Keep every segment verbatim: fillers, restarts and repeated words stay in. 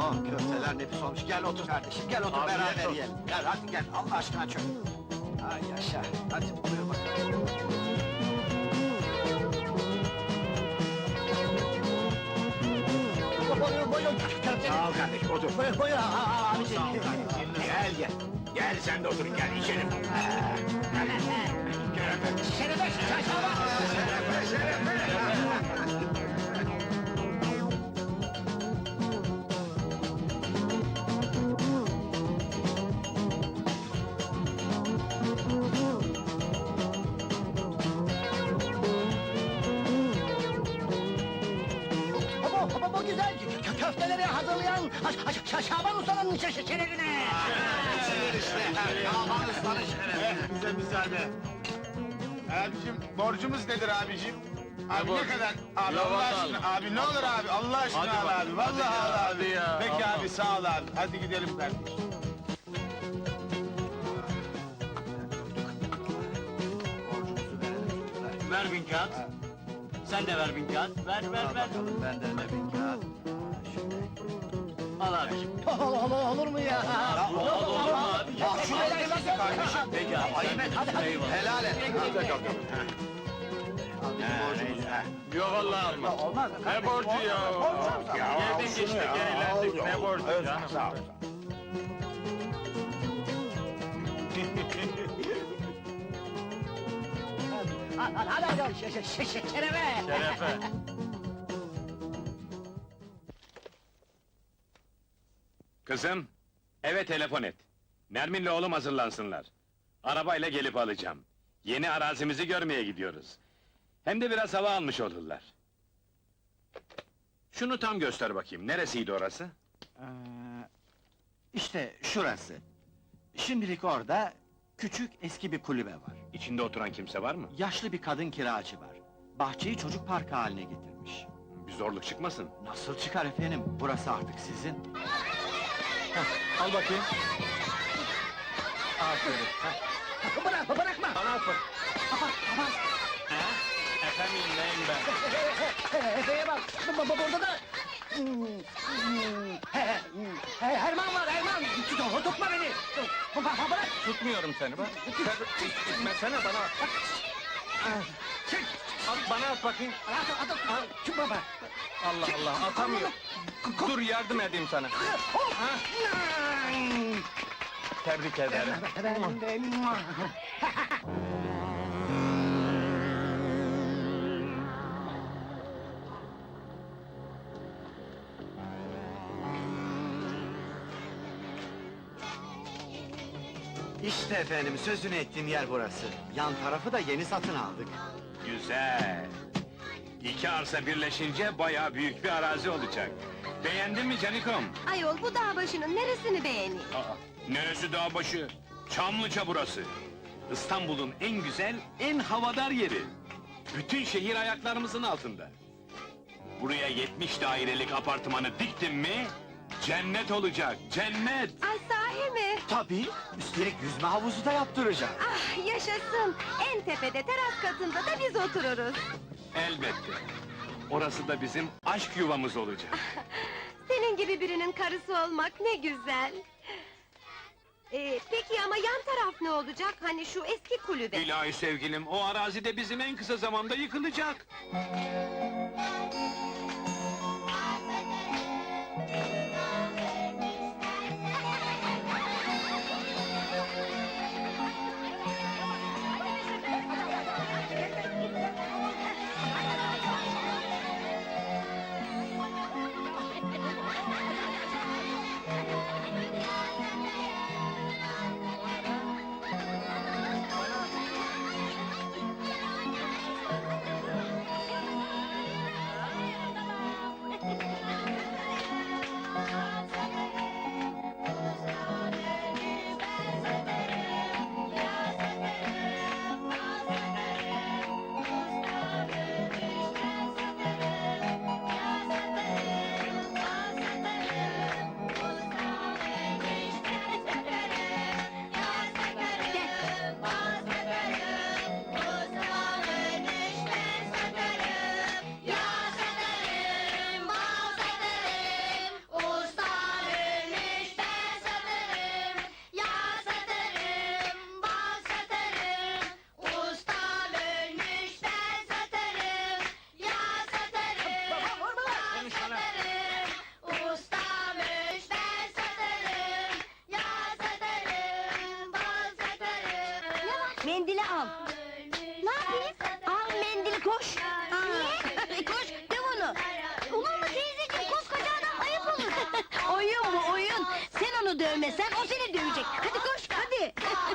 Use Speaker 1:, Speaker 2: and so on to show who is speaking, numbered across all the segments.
Speaker 1: Oh, köfteler nefis olmuş. Gel otur kardeşim, gel otur
Speaker 2: Afiyet
Speaker 1: beraber
Speaker 2: olsun.
Speaker 1: yiyelim. Gel hadi gel, Allah aşkına çök. Ay yaşa, hadi buyur bakalım. Buyur, buyur, köfte.
Speaker 2: Sağ ol kardeşim, otur.
Speaker 1: Buyur, buyur, aa, abicim.
Speaker 2: Sağ ol kardeşim. Gel gel. Gel sen de oturun, gel içelim. Şerefe.
Speaker 1: Şerefe, şaşava.
Speaker 2: Şerefe, şerefe.
Speaker 1: Bu, bu, bu güzel kö- köfteleri hazırlayan Ş- Ş- Ş- Şaban Usta'nın şe- şe- şerefine.
Speaker 2: İçilir işte. Şaban Usta'nın şerefe.
Speaker 3: Bize müsaade. Abicim, borcumuz nedir abicim? Abi ne kadar? Abi
Speaker 2: Ya
Speaker 3: Allah
Speaker 2: vallahi
Speaker 3: aşkına, abi ne olur abi, Allah aşkına
Speaker 2: Hadi
Speaker 3: al
Speaker 2: bak,
Speaker 3: abi, vallahi
Speaker 2: hadi ya,
Speaker 3: al abi.
Speaker 2: hadi ya,
Speaker 3: Peki
Speaker 2: Allah.
Speaker 3: abi, sağ ol abi, hadi gidelim kardeşim.
Speaker 1: Borcumuzu verelim çocuklar.
Speaker 4: Ver bin kağıt. Sen de ver bin kağıt. Ver, ver,
Speaker 1: Al
Speaker 4: ver.
Speaker 1: bakalım benden de bir kağıt. Şöyle.
Speaker 4: Al abiciğim.
Speaker 1: Olur, olur mu ya?
Speaker 4: Olur, olur mu abi?
Speaker 1: Al şuraya nasıl kardeşim?
Speaker 4: Peki abi.
Speaker 1: Ayıp et, hadi hadi.
Speaker 4: Eyvallah.
Speaker 1: Helal et. Al bizim borcumuzu.
Speaker 2: Yok vallahi alma.
Speaker 1: Olmaz.
Speaker 2: Ne borcu ya? Geldik işte, gerilendik. Ne borcu canım?
Speaker 3: Sağ ol.
Speaker 1: Hadi hadi hadi. Şe- şe- şe- şe- Şerefe.
Speaker 2: Şerefe.
Speaker 5: Kızım, eve telefon et. Nermin'le oğlum hazırlansınlar. Arabayla gelip alacağım. Yeni arazimizi görmeye gidiyoruz. Hem de biraz hava almış olurlar. Şunu tam göster bakayım, neresiydi orası?
Speaker 1: Ee, işte şurası. Şimdilik orada küçük eski bir kulübe var.
Speaker 5: İçinde oturan kimse var mı?
Speaker 1: Yaşlı bir kadın kiracı var. Bahçeyi çocuk parkı haline getirmiş.
Speaker 5: Bir zorluk çıkmasın.
Speaker 1: Nasıl çıkar efendim? Burası artık sizin.
Speaker 2: Al bakayım.
Speaker 1: Aferin. Bırak, bırakma!
Speaker 2: Bana at bak.
Speaker 1: Aman, aman!
Speaker 2: Efendim neyim ben?
Speaker 1: Efe'ye bak! Bu- bu- Burada da... Hmm, hmm, he- he- he- Herman var, Herman! Tut- Tutma beni! Tut- Bırak, bırak!
Speaker 2: Tutmuyorum seni bak. Sen itmesene bana.
Speaker 1: Çık!
Speaker 2: At bana at bakayım.
Speaker 1: At, at, at! Çık baba!
Speaker 2: Allah Allah atamıyorum. Dur yardım edeyim sana. Tebrik ederim.
Speaker 1: İşte efendim, sözünü ettiğim yer burası. Yan tarafı da yeni satın aldık.
Speaker 5: Güzel. İki arsa birleşince bayağı büyük bir arazi olacak. Beğendin mi Canikom?
Speaker 6: Ayol bu dağ başının neresini beğeneyim?
Speaker 5: Aa, neresi dağ başı? Çamlıca burası. İstanbul'un en güzel, en havadar yeri. Bütün şehir ayaklarımızın altında. Buraya yetmiş dairelik apartmanı diktim mi... cennet olacak, cennet!
Speaker 6: Ay sahi mi?
Speaker 1: Tabii, üstelik yüzme havuzu da yaptıracağım.
Speaker 6: Ah yaşasın! En tepede teras katında da biz otururuz.
Speaker 5: Elbette. Orası da bizim aşk yuvamız olacak.
Speaker 6: Senin gibi birinin karısı olmak ne güzel! Ee, peki ama yan taraf ne olacak? Hani şu eski kulübe?
Speaker 5: İlahi sevgilim, o arazi de bizim en kısa zamanda yıkılacak.
Speaker 7: Mendili al. Ne yapayım? Al mendili koş. Niye? koş döv onu. Olur mu teyzeciğim, koskoca adam ayıp olur. Oyun bu oyun. Sen onu dövmesen o seni dövecek. Hadi koş hadi.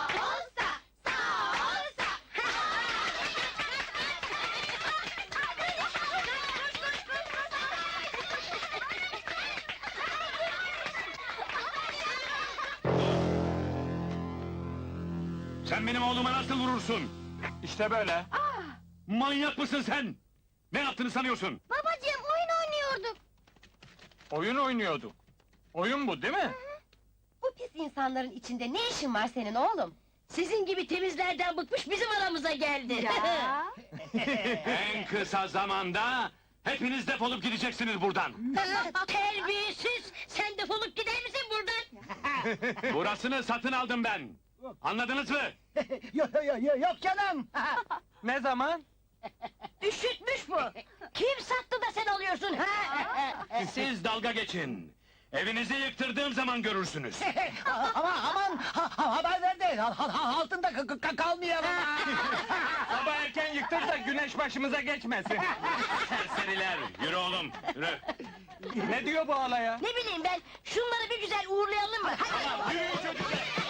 Speaker 5: Sen benim oğluma nasıl vurursun?
Speaker 2: İşte böyle.
Speaker 5: Manyak mısın sen? Ne yaptığını sanıyorsun?
Speaker 7: Babacığım oyun oynuyorduk.
Speaker 2: Oyun oynuyorduk. Oyun bu değil mi?
Speaker 6: Bu pis insanların içinde ne işin var senin oğlum?
Speaker 7: Sizin gibi temizlerden bıkmış bizim aramıza geldi.
Speaker 5: En kısa zamanda hepiniz defolup gideceksiniz buradan.
Speaker 7: Terbiyesiz! Sen defolup gider misin buradan?
Speaker 5: Burasını satın aldım ben. Anladınız mı?
Speaker 1: Yok yok yok yok canım.
Speaker 2: Ne zaman?
Speaker 7: Üşütmüş bu! Kim sattı da sen alıyorsun ha?
Speaker 5: Siz dalga geçin. Evinizi yıktırdığım zaman görürsünüz.
Speaker 1: Ama aman ha, ha- haber ver de ha- ha- altında ka- ka- kalmayalım.
Speaker 2: Sabah erken yıktır da güneş başımıza geçmesin.
Speaker 5: Serseriler, yürü oğlum, yürü.
Speaker 2: Ne diyor bu alaya?
Speaker 7: Ne bileyim ben, şunları bir güzel uğurlayalım mı? Hadi!
Speaker 5: Yürüyün çocuklar!